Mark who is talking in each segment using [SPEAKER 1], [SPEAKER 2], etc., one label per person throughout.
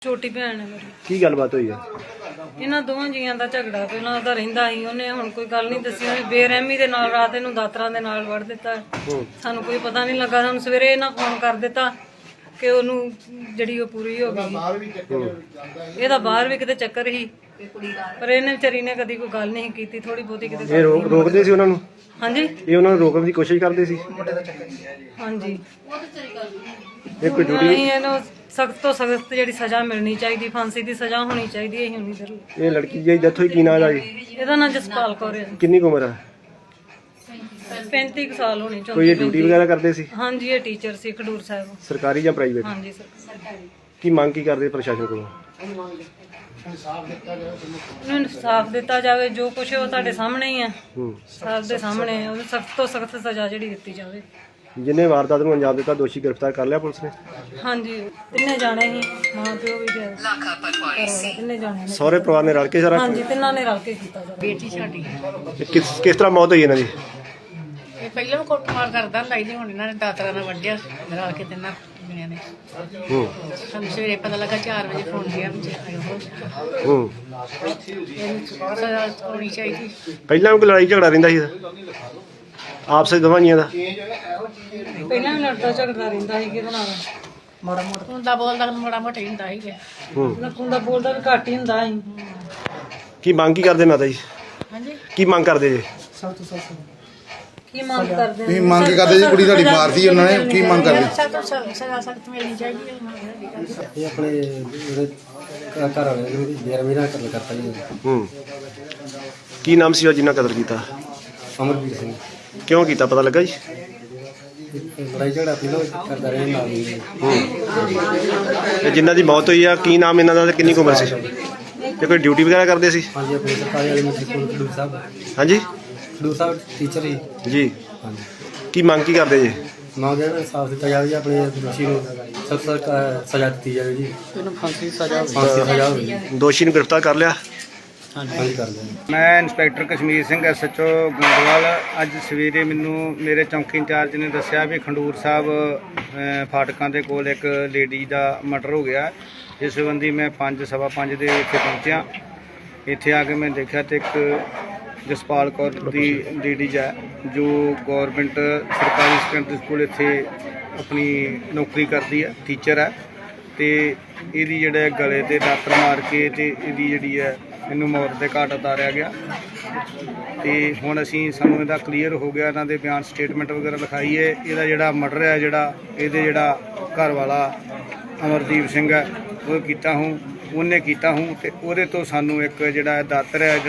[SPEAKER 1] ਛੋਟੀ ਭੈਣ ਹੈ ਮੇਰੀ।
[SPEAKER 2] ਕੀ ਗੱਲਬਾਤ ਹੋਈ ਹੈ?
[SPEAKER 1] ਇਹਨਾਂ ਦੋਵਾਂ ਜੀਆਂ ਦਾ ਝਗੜਾ ਪਹਿਲਾਂ ਉਹਦਾ ਰਹਿੰਦਾ ਸੀ। ਉਹਨੇ ਹੁਣ ਕੋਈ ਗੱਲ ਨਹੀਂ ਦੱਸੀ। ਉਹਨੇ ਬੇਰਹਿਮੀ ਦੇ ਨਾਲ ਰਾਤ ਇਹਨੂੰ ਦਾਤਰਾਂ ਦੇ ਨਾਲ ਵੜ ਦਿੱਤਾ। ਸਾਨੂੰ ਕੋਈ ਪਤਾ ਨਹੀਂ ਲੱਗਾ। ਸਾਨੂੰ ਸਵੇਰੇ ਇਹਨਾਂ ਫੋਨ ਕਰ ਦਿੱਤਾ ਕਿ ਉਹਨੂੰ ਜਿਹੜੀ ਉਹ ਪੂਰੀ ਹੋ ਗਈ। ਇਹਦਾ ਬਾਹਰ ਵੀ ਕਿਤੇ ਚੱਕਰ ਸੀ, ਪਰ ਇਹਨੇ ਵਿਚਾਰੀ ਨੇ ਕਦੀ ਕੋਈ ਗੱਲ ਨਹੀਂ ਕੀਤੀ। ਥੋੜੀ ਬਹੁਤੀ ਕਿਤੇ
[SPEAKER 2] ਇਹ ਰੋਕਦੇ ਸੀ ਉਹਨਾਂ ਨੂੰ?
[SPEAKER 1] ਹਾਂਜੀ,
[SPEAKER 2] ਇਹ ਉਹਨਾਂ ਨੂੰ ਰੋਕਣ ਦੀ ਕੋਸ਼ਿਸ਼ ਕਰਦੇ ਸੀ?
[SPEAKER 1] ਹਾਂਜੀ।
[SPEAKER 2] ਇਹ ਕੋਈ ਡਿਊਟੀ?
[SPEAKER 1] ਨਹੀਂ, ਇਹਨੂੰ ਸਖਤ ਤੋਂ ਸਖਤ ਜਿਹੜੀ ਸਜ਼ਾ ਮਿਲਣੀ ਚਾਹੀਦੀ, ਫਾਂਸੀ ਦੀ ਸਜ਼ਾ ਹੋਣੀ ਚਾਹੀਦੀ ਹੈ। ਹੋਣੀ ਜ਼ਰੂਰ।
[SPEAKER 2] ਇਹ ਲੜਕੀ ਦੀ ਡੈਥ ਹੋਈ, ਕੀ ਨਾਮ ਹੈ?
[SPEAKER 1] ਇਹਦਾ ਨਾਂ ਜਸਪਾਲ ਕੌਰ ਹੈ।
[SPEAKER 2] ਕਿੰਨੀ ਕੁ ਉਮਰ ਹੈ?
[SPEAKER 1] 35 ਸਾਲ ਹੋਣੀ।
[SPEAKER 2] ਕੋਈ ਇਹ ਡਿਊਟੀ ਵਗੈਰਾ ਕਰਦੇ ਸੀ?
[SPEAKER 1] ਹਾਂਜੀ, ਇਹ ਟੀਚਰ ਸੀ ਖਡੂਰ ਸਾਹਿਬ।
[SPEAKER 2] ਸਰਕਾਰੀ ਜਾਂ ਪ੍ਰਾਈਵੇਟ?
[SPEAKER 1] ਹਾਂਜੀ ਸਰਕਾਰੀ।
[SPEAKER 2] ਕੀ ਮੰਗ ਕੀ ਕਰਦੇ ਪ੍ਰਸ਼ਾਸਨ ਕੋਲੋਂ?
[SPEAKER 1] ਉਹਨੂੰ ਇਨਸਾਫ ਦਿੱਤਾ ਜਾਵੇ। ਜੋ ਕੁਛ ਉਹ ਤੁਹਾਡੇ ਸਾਹਮਣੇ ਹੀ ਆ, ਸਭ ਦੇ ਸਾਹਮਣੇ। ਉਹਨੂੰ ਸਖਤ ਤੋਂ ਸਖਤ ਸਜ਼ਾ ਜਿਹੜੀ ਦਿੱਤੀ ਜਾਵੇ।
[SPEAKER 2] ਜਿਹਨੇ ਵਾਰਦਾਤ ਨੂੰ ਅੰਜਾਮ ਦਿੱਤਾ ਦੋਸ਼ੀ ਗ੍ਰਿਫਤਾਰ ਕਰ ਲਿਆ ਪੁਲਿਸ ਨੇ?
[SPEAKER 1] ਹਾਂਜੀ, ਤਿੰਨੇ ਜਾਣੇ ਸੀ, ਮਾਂ ਪਿਓ ਵੀ ਤੇ ਤਿੰਨੇ ਜਾਣੇ ਨੇ।
[SPEAKER 2] ਸਹੁਰੇ ਪਰਿਵਾਰ ਨੇ ਰਲ ਕੇ ਸਾਰਾ?
[SPEAKER 1] ਹਾਂਜੀ, ਤਿੰਨਾਂ ਨੇ ਰਲ ਕੇ ਕੀਤਾ ਜਾਵੇ।
[SPEAKER 3] ਬੇਟੀ ਸਾਡੀ
[SPEAKER 2] ਕਿਸ ਤਰ੍ਹਾਂ ਮੌਤ ਹੋਈ ਇਹਨਾਂ ਦੀ?
[SPEAKER 3] ਇਹ ਪਹਿਲਾਂ ਵੀ ਕੁੱਟਮਾਰ ਕਰਦਾ ਹੁੰਦਾ ਸੀ, ਹੁਣ ਇਹਨਾਂ ਨੇ ਦਾਤਰਾ ਨਾਲ ਵੱਢਿਆ ਰਲ ਕੇ ਤਿੰਨਾਂ ਜਣਿਆਂ ਨੇ। ਸਾਨੂੰ ਸਵੇਰੇ ਪਤਾ ਲੱਗਾ 4 ਵਜੇ ਫੋਨ ਗਿਆ ਵਿੱਚ ਇਹਨੂੰ ਸਜ਼ਾ ਹੋਣੀ ਚਾਹੀਦੀ।
[SPEAKER 2] ਪਹਿਲਾਂ ਵੀ ਕੋਈ ਲੜਾਈ ਝਗੜਾ ਰਹਿੰਦਾ ਸੀ ਆਪਸ ਵਿੱਚ ਦੋਵਾਂ ਜੀਆਂ ਦਾ?
[SPEAKER 1] ਪਹਿਲਾਂ ਵੀ ਲੜਦਾ ਝਗੜਦਾ ਰਹਿੰਦਾ ਸੀ। ਕਿਹਦੇ ਨਾਲ? ਮਾੜਾ ਮੋਟਾ
[SPEAKER 3] ਹੁੰਦਾ ਬੋਲਦਾ ਮਾੜਾ ਮੋਟਾ ਹੀ ਹੁੰਦਾ ਸੀਗਾ।
[SPEAKER 1] ਹੁੰਦਾ ਬੋਲਦਾ ਵੀ ਘੱਟ ਹੀ ਹੁੰਦਾ ਸੀ।
[SPEAKER 2] ਕੀ ਮੰਗ ਕੀ ਕਰਦੇ ਮਾਤਾ ਜੀ?
[SPEAKER 3] ਹਾਂਜੀ,
[SPEAKER 2] ਕੀ ਮੰਗ ਕਰਦੇ ਜੀ?
[SPEAKER 1] ਕੀ ਮੰਗ ਕਰਦੇ
[SPEAKER 4] ਕੀ ਮੰਗ ਕਰਦੇ ਜੀ? ਕੁੜੀ ਤੁਹਾਡੀ ਮਾਰਦੀ ਉਹਨਾਂ ਨੇ, ਕੀ ਮੰਗ ਕਰਦੇ?
[SPEAKER 3] ਸਜ਼ਾ ਸਖਤ ਮਿਲਣੀ ਚਾਹੀਦੀ ਹੈ।
[SPEAKER 5] ਇਹ ਆਪਣੇ ਘਰ ਵਾਲੇ ਨੂੰ ਬੇਰਹਿਮੀ ਨਾਲ ਕਤਲ ਕਰਤਾ ਜੀ।
[SPEAKER 2] ਕੀ ਨਾਮ ਸੀ ਉਹ ਜਿਨ੍ਹਾਂ ਕਤਲ ਕੀਤਾ?
[SPEAKER 5] ਅਮਰਵੀਰ ਸਿੰਘ।
[SPEAKER 2] ਕਿਉਂ ਕੀਤਾ ਪਤਾ ਲੱਗਾ ਜੀ?
[SPEAKER 5] ਲੜਾਈ ਝਗੜਾ ਪਹਿਲਾਂ ਕਰਦਾ ਰਿਹਾ ਨਾਲ ਹੀ।
[SPEAKER 2] ਤੇ ਜਿਨ੍ਹਾਂ ਦੀ ਮੌਤ ਹੋਈ ਆ ਕੀ ਨਾਮ ਇਹਨਾਂ ਦਾ ਤੇ ਕਿੰਨੀ ਕੁ ਉਮਰ ਸੀ? ਤੇ ਕੋਈ ਡਿਊਟੀ ਵਗੈਰਾ ਕਰਦੇ ਸੀ?
[SPEAKER 5] ਹਾਂਜੀ, ਆਪਣੇ ਸਰਕਾਰੀ ਵਾਲੇ ਮਿਸਟਰ ਕੋਲ ਖਡੂਰ ਸਾਹਿਬ।
[SPEAKER 2] ਹਾਂਜੀ,
[SPEAKER 5] ਖਡੂਰ ਸਾਹਿਬ ਟੀਚਰ ਹੀ।
[SPEAKER 2] ਜੀ।
[SPEAKER 5] ਹਾਂਜੀ,
[SPEAKER 2] ਕੀ ਮੰਗ ਕੀ ਕਰਦੇ ਜੀ?
[SPEAKER 5] ਮੰਗ ਹੈ ਇਨਸਾਫ ਦਿੱਤਾ ਜਾਵੇ ਜੀ। ਆਪਣੇ ਦੋਸ਼ੀ ਨੂੰ ਸਖਤ ਸਜ਼ਾ ਦਿੱਤੀ ਜਾਵੇ ਜੀ। ਇਹਨੂੰ ਫਾਂਸੀ ਦੀ ਸਜ਼ਾ ਹੋਵੇ।
[SPEAKER 2] ਦੋਸ਼ੀ ਨੂੰ ਗ੍ਰਿਫਤਾਰ ਕਰ ਲਿਆ?
[SPEAKER 5] ਹਾਂਜੀ, ਕਰ ਦਿੰਦੇ।
[SPEAKER 6] ਮੈਂ ਇੰਸਪੈਕਟਰ ਕਸ਼ਮੀਰ ਸਿੰਘ SHO ਗੋਂਦਵਾਲ। ਅੱਜ ਸਵੇਰੇ ਮੈਨੂੰ ਮੇਰੇ ਚੌਂਕੀ ਇੰਚਾਰਜ ਨੇ ਦੱਸਿਆ ਵੀ ਖਡੂਰ ਸਾਹਿਬ ਫਾਟਕਾਂ ਦੇ ਕੋਲ ਇੱਕ ਲੇਡੀ ਦਾ ਮਰਡਰ ਹੋ ਗਿਆ। ਇਸ ਸੰਬੰਧੀ ਮੈਂ 5:15 ਦੇ ਇੱਥੇ ਪਹੁੰਚਿਆ। ਇੱਥੇ ਆ ਕੇ ਮੈਂ ਦੇਖਿਆ ਤੇ ਇੱਕ ਜਸਪਾਲ ਕੌਰ ਦੀ ਲੇਡੀਜ਼ ਹੈ ਜੋ ਗੌਰਮੈਂਟ ਸਰਕਾਰੀ ਸੈਕੰਡਰੀ ਸਕੂਲ ਇੱਥੇ ਆਪਣੀ ਨੌਕਰੀ ਕਰਦੀ ਹੈ, ਟੀਚਰ ਹੈ। ਤੇ ਇਹਦੀ ਜਿਹੜਾ ਗਲੇ ਤੇ ਦਾਤਰ ਮਾਰ ਕੇ ਤੇ ਇਹਦੀ ਜਿਹੜੀ ਹੈ ਇਹਨੂੰ ਮੌਤ ਦੇ ਘਾਟ ਉਤਾਰਿਆ ਗਿਆ। ਤੇ ਹੁਣ ਸਾਨੂੰ ਇਹਦਾ ਕਲੀਅਰ ਹੋ ਗਿਆ। ਇਹਨਾਂ ਦੇ ਬਿਆਨ ਸਟੇਟਮੈਂਟ ਵਗੈਰਾ ਲਿਖਾਈ ਹੈ। ਇਹਦਾ ਜਿਹੜਾ ਮਰਡਰ ਹੈ ਇਹਦੇ ਜਿਹੜਾ ਘਰ ਵਾਲਾ ਅਮਰਦੀਪ ਸਿੰਘ ਹੈ ਉਹਨੇ ਕੀਤਾ ਹੂੰ ਤੇ ਉਹਦੇ ਤੋਂ ਸਾਨੂੰ ਇੱਕ ਜਿਹੜਾ ਦਾਤਰ ਹੈ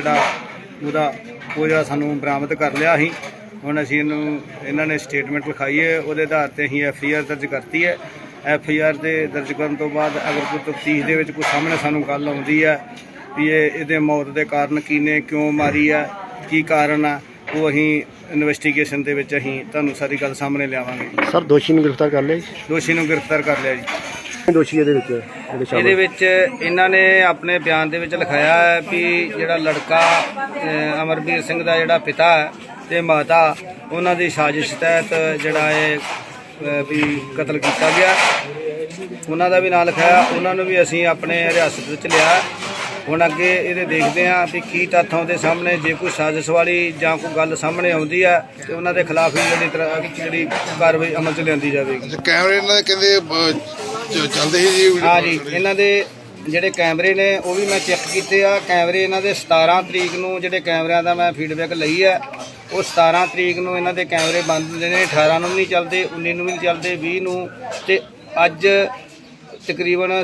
[SPEAKER 6] ਉਹ ਜਿਹੜਾ ਸਾਨੂੰ ਬਰਾਮਦ ਕਰ ਲਿਆ ਸੀ। ਹੁਣ ਅਸੀਂ ਇਹਨਾਂ ਨੇ ਸਟੇਟਮੈਂਟ ਲਿਖਾਈ ਹੈ, ਉਹਦੇ ਆਧਾਰ ਤੇ ਅਸੀਂ FIR ਦਰਜ ਕਰਤੀ ਹੈ। FIR ਦੇ ਦਰਜ ਕਰਨ ਤੋਂ ਬਾਅਦ ਅਗਰ ਕੋਈ ਤਫਤੀਸ਼ ਦੇ ਵਿੱਚ ਕੋਈ ਸਾਹਮਣੇ ਸਾਨੂੰ ਗੱਲ ਆਉਂਦੀ ਹੈ ਵੀ ਇਹਦੇ ਮੌਤ ਦੇ ਕਾਰਨ ਕੀ ਨੇ, ਕਿਉਂ ਮਾਰੀ ਆ, ਕੀ ਕਾਰਨ ਆ, ਉਹ ਅਸੀਂ ਇਨਵੈਸਟੀਗੇਸ਼ਨ ਦੇ ਵਿੱਚ ਅਸੀਂ ਤੁਹਾਨੂੰ ਸਾਰੀ ਗੱਲ ਸਾਹਮਣੇ ਲਿਆਵਾਂਗੇ।
[SPEAKER 2] ਸਰ ਦੋਸ਼ੀ ਨੂੰ ਗ੍ਰਿਫਤਾਰ ਕਰ ਲਿਆ ਜੀ?
[SPEAKER 6] ਦੋਸ਼ੀ ਨੂੰ ਗ੍ਰਿਫਤਾਰ ਕਰ ਲਿਆ ਜੀ।
[SPEAKER 2] ਦੋਸ਼ੀ ਇਹਦੇ ਵਿੱਚ
[SPEAKER 6] ਇਹਨਾਂ ਨੇ ਆਪਣੇ ਬਿਆਨ ਦੇ ਵਿੱਚ ਲਿਖਾਇਆ ਹੈ ਵੀ ਜਿਹੜਾ ਲੜਕਾ ਅਮਰਵੀਰ ਸਿੰਘ ਦਾ ਜਿਹੜਾ ਪਿਤਾ ਹੈ ਤੇ ਮਾਤਾ ਉਹਨਾਂ ਦੀ ਸਾਜ਼ਿਸ਼ ਤਹਿਤ ਜਿਹੜਾ ਇਹ ਵੀ ਕਤਲ ਕੀਤਾ ਗਿਆ। ਉਹਨਾਂ ਦਾ ਵੀ ਨਾਂ ਲਿਖਾਇਆ। ਉਹਨਾਂ ਨੂੰ ਵੀ ਅਸੀਂ ਆਪਣੇ ਹਿਰਾਸਤ ਵਿੱਚ ਲਿਆ। ਹੁਣ ਅੱਗੇ ਇਹਦੇ ਦੇਖਦੇ ਹਾਂ ਵੀ ਕੀ ਤੱਥ ਆਉਂਦੇ ਸਾਹਮਣੇ। ਜੇ ਕੋਈ ਸਾਜ਼ਿਸ਼ ਵਾਲੀ ਜਾਂ ਕੋਈ ਗੱਲ ਸਾਹਮਣੇ ਆਉਂਦੀ ਹੈ ਤੇ ਉਹਨਾਂ ਦੇ ਖਿਲਾਫ ਹੀ ਜਿਹੜੀ ਕਾਰਵਾਈ ਅਮਲ 'ਚ ਲਿਆਂਦੀ ਜਾਵੇਗੀ।
[SPEAKER 4] ਕੈਮਰੇ ਇਹਨਾਂ ਦੇ ਕਹਿੰਦੇ ਚੱਲਦੇ ਸੀ ਜੀ?
[SPEAKER 6] ਹਾਂ ਜੀ, ਇਹਨਾਂ ਦੇ ਜਿਹੜੇ ਕੈਮਰੇ ਨੇ ਉਹ ਵੀ ਮੈਂ ਚੈੱਕ ਕੀਤੇ ਆ। ਕੈਮਰੇ ਇਹਨਾਂ ਦੇ 17 ਤਰੀਕ ਨੂੰ ਜਿਹੜੇ ਕੈਮਰਿਆਂ ਦਾ ਮੈਂ ਫੀਡਬੈਕ ਲਈ ਹੈ ਉਹ 17 ਤਰੀਕ ਨੂੰ ਇਹਨਾਂ ਦੇ ਕੈਮਰੇ ਬੰਦ ਹੁੰਦੇ ਨੇ। 18 ਨੂੰ ਵੀ ਨਹੀਂ ਚੱਲਦੇ, 19 ਨੂੰ ਵੀ ਨਹੀਂ ਚੱਲਦੇ, 20 ਨੂੰ। ਤੇ ਅੱਜ ਤਕਰੀਬਨ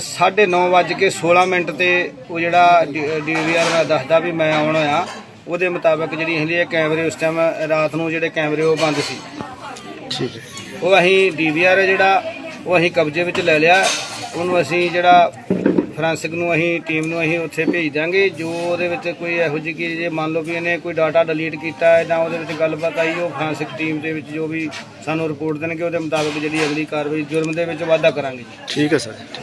[SPEAKER 6] 9:16 ਤੇ ਉਹ ਜਿਹੜਾ DVR ਦਾ ਦੱਸਦਾ ਵੀ ਮੈਂ ਆਉਣਾ ਆ। ਉਹਦੇ ਮੁਤਾਬਕ ਜਿਹੜੀ ਇਹ ਕੈਮਰੇ ਉਸ ਟਾਈਮ ਰਾਤ ਨੂੰ ਜਿਹੜੇ ਕੈਮਰੇ ਉਹ ਬੰਦ ਸੀ।
[SPEAKER 2] ਠੀਕ ਹੈ।
[SPEAKER 6] ਉਹ ਅਸੀਂ DVR ਜਿਹੜਾ ਉਹ ਅਸੀਂ ਕਬਜ਼ੇ ਵਿੱਚ ਲੈ ਲਿਆ। ਉਹਨੂੰ ਅਸੀਂ ਜਿਹੜਾ ਫੋਰੈਂਸਿਕ ਨੂੰ ਅਸੀਂ ਟੀਮ ਨੂੰ ਅਸੀਂ ਉੱਥੇ ਭੇਜ ਦਾਂਗੇ। ਜੋ ਉਹਦੇ ਵਿੱਚ ਕੋਈ ਇਹੋ ਜਿਹੀ ਕਿ ਜੇ ਮੰਨ ਲਓ ਵੀ ਇਹਨੇ ਕੋਈ ਡਾਟਾ ਡਿਲੀਟ ਕੀਤਾ ਹੈ ਜਾਂ ਉਹਦੇ ਵਿੱਚ ਗੱਲਬਾਤ ਆਈ, ਉਹ ਫੋਰੈਂਸਿਕ ਟੀਮ ਦੇ ਵਿੱਚ ਜੋ ਵੀ ਸਾਨੂੰ ਰਿਪੋਰਟ ਦੇਣਗੇ ਉਹਦੇ ਮੁਤਾਬਕ ਜਿਹੜੀ ਅਗਲੀ ਕਾਰਵਾਈ ਜੁਰਮ ਦੇ ਵਿੱਚ ਵਾਧਾ ਕਰਾਂਗੇ।
[SPEAKER 2] ਠੀਕ ਹੈ ਸਰ।